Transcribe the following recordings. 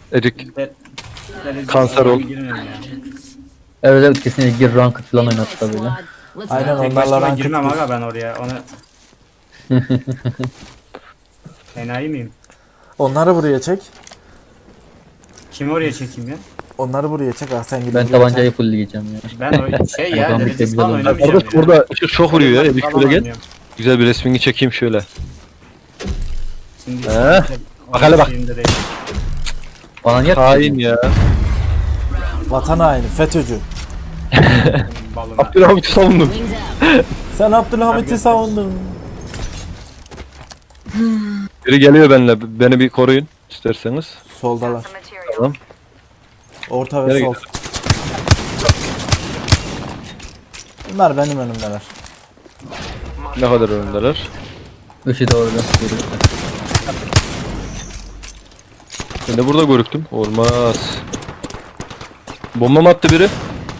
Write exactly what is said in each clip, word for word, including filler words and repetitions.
Erik De, de, Kanser ol. Evet evet kesinlikle gir ranked falan oynat tabii. Aynen Tek onlarla başıma ranked girmem gir. aga ben oraya. Onu... Enayi miyim? Onları buraya çek. Kimi oraya çekeyim ya? Onları buraya çek. Ah sen gidin Ben buraya tabancayı çek. fullleyeceğim ya. Ben o şey ya Oradan derecesi bir falan tebrik alalım. oynamayacağım Kardeş ya. burada ışık çok vuruyor ya. Erik Falan şöyle gel. oynuyorum. Güzel bir resmini çekeyim şöyle. Şimdi He? işte Bak hele bak. şeyinde değil. Bana niye Hain ya. Vatan haini, FETÖ'cü. Balına. Abdülhamit'i savundum. Sen Abdülhamit'i savundun. Biri geliyor benimle. Beni bir koruyun isterseniz. Soldalar. Tamam. Orta ve Nereye sol. Bunlar benim önümdeler. Ne kadar önündeler. Işığı da orada. Ben de burada görüktüm. Olmaz. Bomba mı attı biri?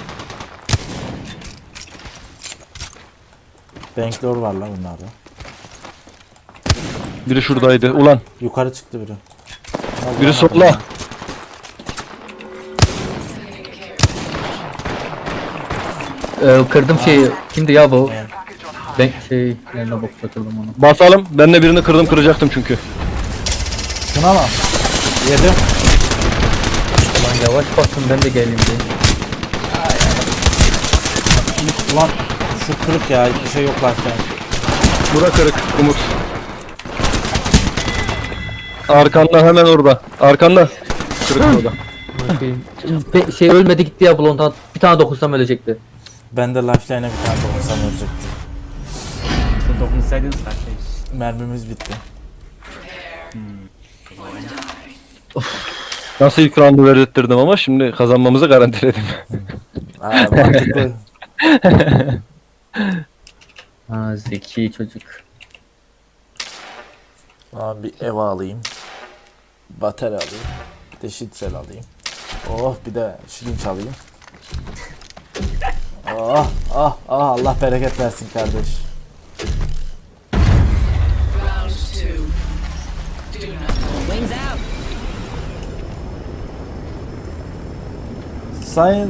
Banklor var lan bunlarda. Biri şuradaydı. Ulan. Yukarı çıktı biri. Allah Biri Allah. sola. Ee, kırdım şeyi. Kimdi ya bu? Ben şey yerine box atıldım onu. Basalım. Ben de birini kırdım kıracaktım çünkü. Sınama. Yedim. Ulan yavaş basın ben de geleyim diye. Ulan şu kırık ya. Hiçbir şey yok başka. Bura kırık. Umut. Arkanda hemen orada. Arkanda. Kırık orada. Bakayım. Pe- şey ölmedi gitti ya blondan. Bir tane dokunsam ölecekti. Ben de lifeline'e bir tane dokunsam ölecekti. Dokunsaydınız kardeş. Mermimiz bitti. Nasıl ilk roundu verdirttirdim ama şimdi kazanmamızı garantiledim. Aa, mantıklı. Ha zeki çocuk. Aa, bir ev alayım. Batarya alayım. Bir de şitsel alayım. Oh bir de şirinç alayım. Oh oh oh Allah bereket versin kardeş. Wings out. Sayın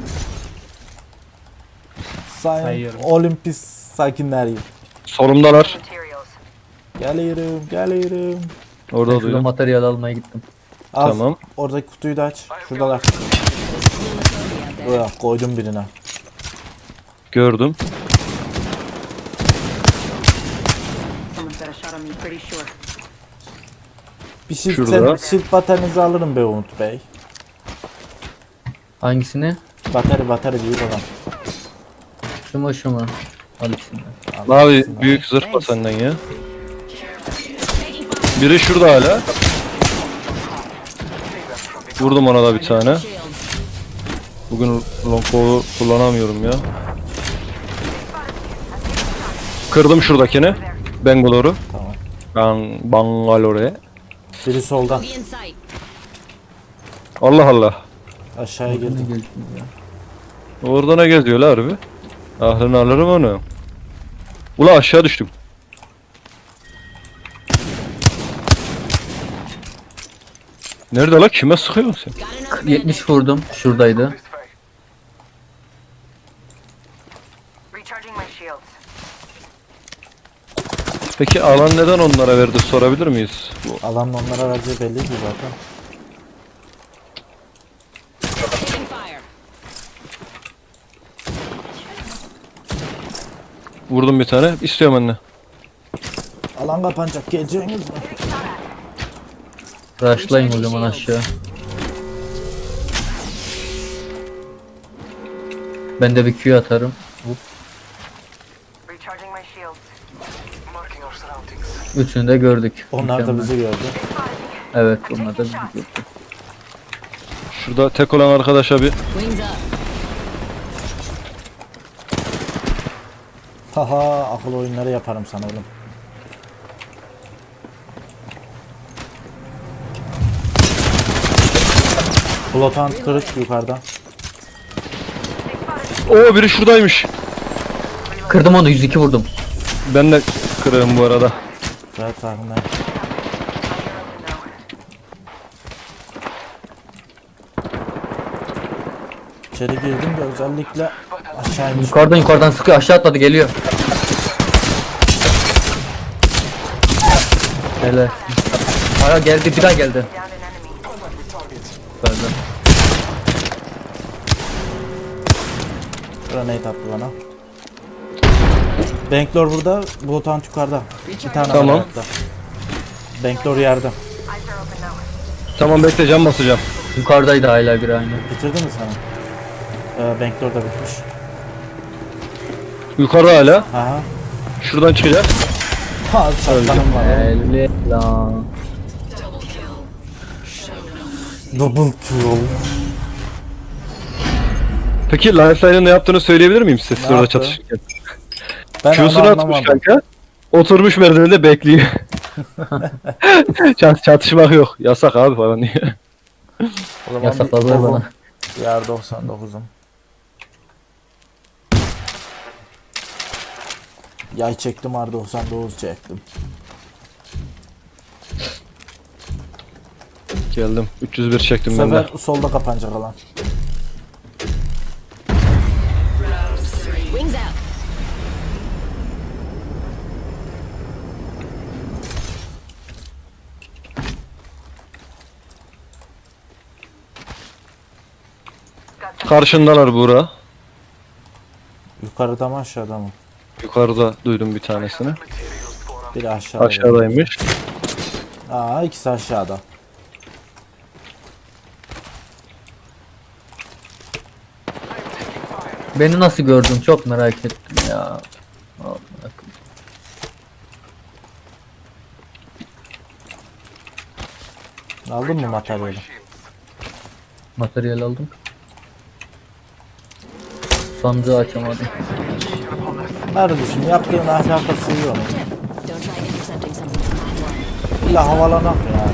Sayın Sayıyorum. Olimpis sakinleri. Solumdalar. Geliyorum geliyorum. Orada Şurada duydum. materyal almaya gittim. Al, Tamam. oradaki kutuyu da aç. Şuradalar. Buraya koydum birine. Gördüm. Someone's got a shot on me, pretty sure. Bir shift, Şurada. sen, shift bataryanizi alırım be Umut Bey. Hangisini? Batarya batarya büyük olan. Şu mu şu mu? Al ikisini. Al, Mavi ikisini. büyük zırh var senden ya. Biri şurada hala. Vurdum ona da bir tane. Shield. Bugün longbow kullanamıyorum ya. Kırdım şuradakini. Bangalore'u. Tamam. Ben Bangalore. Biri soldan. Be in sight. Allah Allah. Aşağıya Ne girdim. geldi ya? Orada ne geziyorlar harbi? Aklını alırım onu. Ula aşağı düştüm. Nerede la? Kime sıkıyorsun sen? Got another bandit. yetmiş vurdum. Şuradaydı. Recharging my shields. Peki alan neden onlara verdi sorabilir miyiz? Bu Alanın onlara vereceği belliydi zaten. Taking fire. vurdum bir tane. İstiyorum anne. Alan kapanacak. Geleceğiniz mi? Rushlayın o zaman aşağı. Ben de bir Q atarım. Recharging my shields. Marking our surroundings. Üçünü de gördük. Onlar da Mükemmel. bizi gördü. Evet onlar da bizi gördü. Şurada tek olan arkadaşa bir Wings up. Haha akıl oyunları yaparım sana oğlum. Blotant kırık yukarıda. Oo biri şuradaymış. Kırdım onu yüz iki vurdum. Ben de kırığım bu arada. Evet tahmin. İçeri girdim de özellikle aşağı inmiş. Yukarıdan yukarıdan sıkıyor. Aşağı atladı geliyor. Helal. Aya geldi bir daha geldi. Pardon. Grenade attı bana. Banklor burada, Bloodhound yukarıda. Bir tane Tamam. var hayatta. Banklor yerde. Tamam bekle, cam basacağım. Yukarıdaydı hala bir aynı. Bitirdin mi sen? Ee, Banklor da bitmiş. Yukarı hala. Aha. Şuradan çıkacak. Ha, çatlanım var. Helal lan. Double kill. Peki Lifeline'ın ne yaptığını söyleyebilir miyim size siz Ne orada yaptı? çatışırken? Ben onu Q'sunu atmış anlamadım. kanka. Oturmuş merdivende bekliyor. Çat çatışmak yok. Yasak abi falan diye. O zaman Yasakladılar bir- bana. Yer doksan dokuzum. Yay çektim, R doksan dokuz çektim. Geldim. üç yüz bir Bu çektim ben de. sefer solda kapanacak alan. Wings out. Karşındalar Buğra. Yukarıda mı aşağıda mı? Yukarıda duydum bir tanesini. Biri aşağıda. Aşağıdaymış. Aa, ikisi aşağıda. Beni nasıl gördün çok merak ettim ya. Aman Allah'ım. Aldın mı materyali? Materyal aldım. Sandığı açamadım. Kardeşim yaptığın ahlakası iyi onun. Don't try intercepting something from that one. İlla havalanak ya.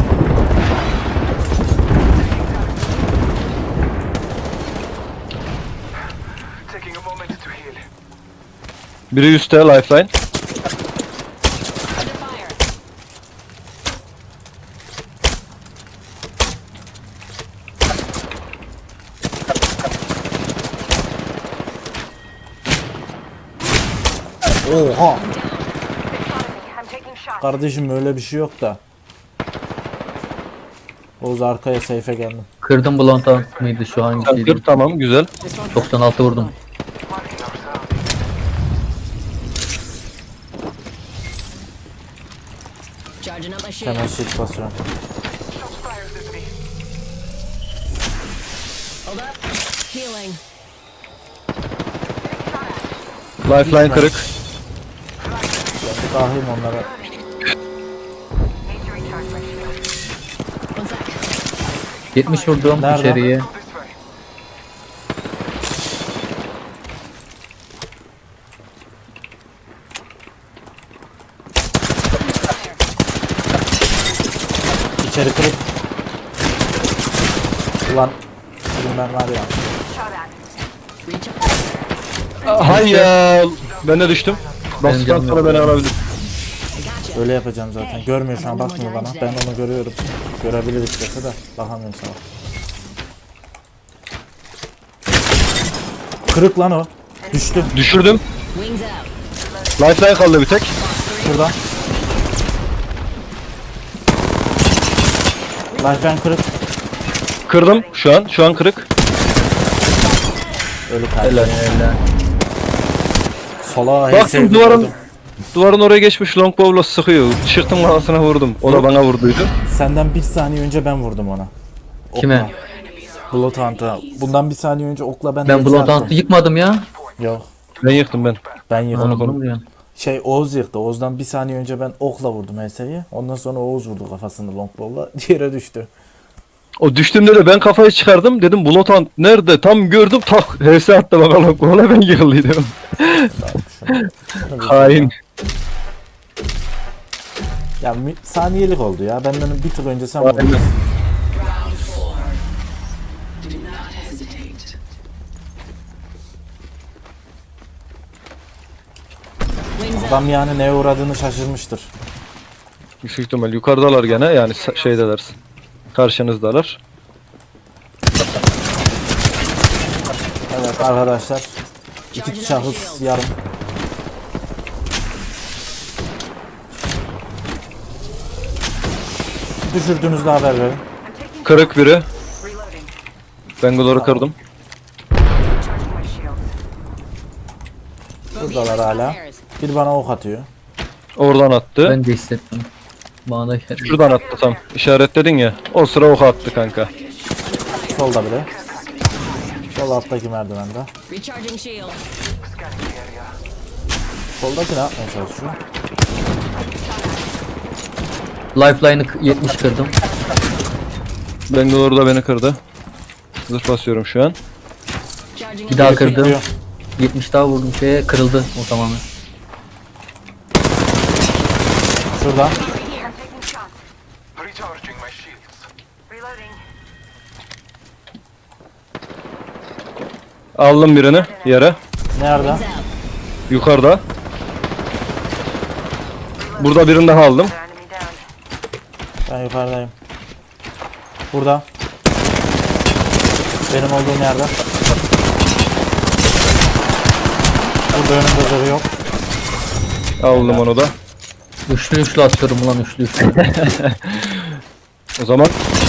Taking a moment to heal. Biri üstte Lifeline. Under fire. Oha! I'm taking shots. Kardeşim öyle bir şey yok da. Oğuz arkaya seyfe geldim. Kırdım Blonta mıydı şu hangisiydi? Kır, tamam güzel. doksan altı vurdum. Marking our surroundings. Charging up my shield. Hemen shift basıyorum. Shots fired at me. Hold up. Healing. Lifeline kırık. Ben bir dahiyim onlara. Need to recharge my shield. One sec. yetmiş vurdum Nerede? içeriye. Go this way. İçeri kırık. Ulan. Bugün ben var ya. Shot at. Reach up. Hay ya. Ben de düştüm. Benim Bastıktan canım sonra yok beni ya. alabilir. I gotcha. Öyle yapacağım zaten. Görmüyor şu an, bakmıyor bana. Ben onu görüyorum. Görebilir istese de bakamıyorum sana. Kırık lan o. Düştü. Düşürdüm. Wings out. Lifeline kaldı bir tek. Şurada. Lifeline kırık. Kırdım şu an. Şu an kırık. Ölü kaldı. Helal helal. Sola Baktım duvarın duvarın oraya geçmiş longbow'la sıkıyor. Çıktım kafasına vurdum. O da bana vurduydu. Senden bir saniye önce ben vurdum ona. Okla. Kime? Bloodhound'a. Bundan bir saniye önce okla ben Ben hepsi Bloodhound'u attım. yıkmadım ya. Yok. Ben yıktım ben. Ben yıktım. Onu konu diyorsun. Şey Oğuz yıktı. Oğuz'dan bir saniye önce ben okla vurdum H S'yi. Ondan sonra Oğuz vurdu kafasını longbow'la. Yere düştü. O düştüğümde de ben kafayı çıkardım. Dedim Bloodhound nerede? Tam gördüm. Tak. H S attı bana longbow'la, ben yıkıldıydım. Şunu- şunu bir Hain. Ya mi- saniyelik oldu ya. Benden bir tık önce sen vurdun. Aynen. Wings out. Adam yani neye uğradığını şaşırmıştır. Yüksek ihtimal yukarıdalar gene, yani sa- şeydeler. Karşınızdalar. Evet arkadaşlar. İki Charging up şahıs shield. yarım. Düşürdüğünüzde haber verin. Kırık biri. Reloading. Bangalore'u kırdım. Charging my shields. Buradalar hala. Bir bana ok atıyor. Oradan attı. Ben de hissettim. Bana da işaret. Şuradan attı tam. İşaretledin ya. O sıra ok attı kanka. Solda biri. Sol alttaki merdivende. Recharging shield. Soldaki ne yapmaya çalışıyor? Lifeline'ı k- yetmiş kırdım. Bangalore da beni kırdı. Zırh basıyorum şu an. Charging Bir up. daha kırdım. Bekliyor. yetmiş daha vurdum şeye, kırıldı o tamamen. Şurada. Taking shots. Recharging my shields. Reloading. Aldım birini yere. Nerede? Wings out. Yukarıda. Burada birini daha aldım. The enemy down. Ben yukarıdayım. Burada. Benim olduğum yerde. Burada önümde zırhı yok. Aldım onu da. Üçlü üçlü atıyorum ulan üçlü üçlü. O zaman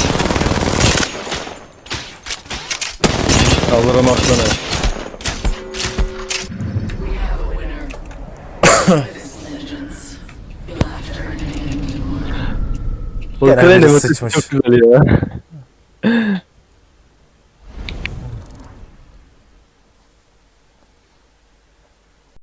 alırım aslanı. Bu Gene kreni biri mi? sıçmış. Çok güzel ya.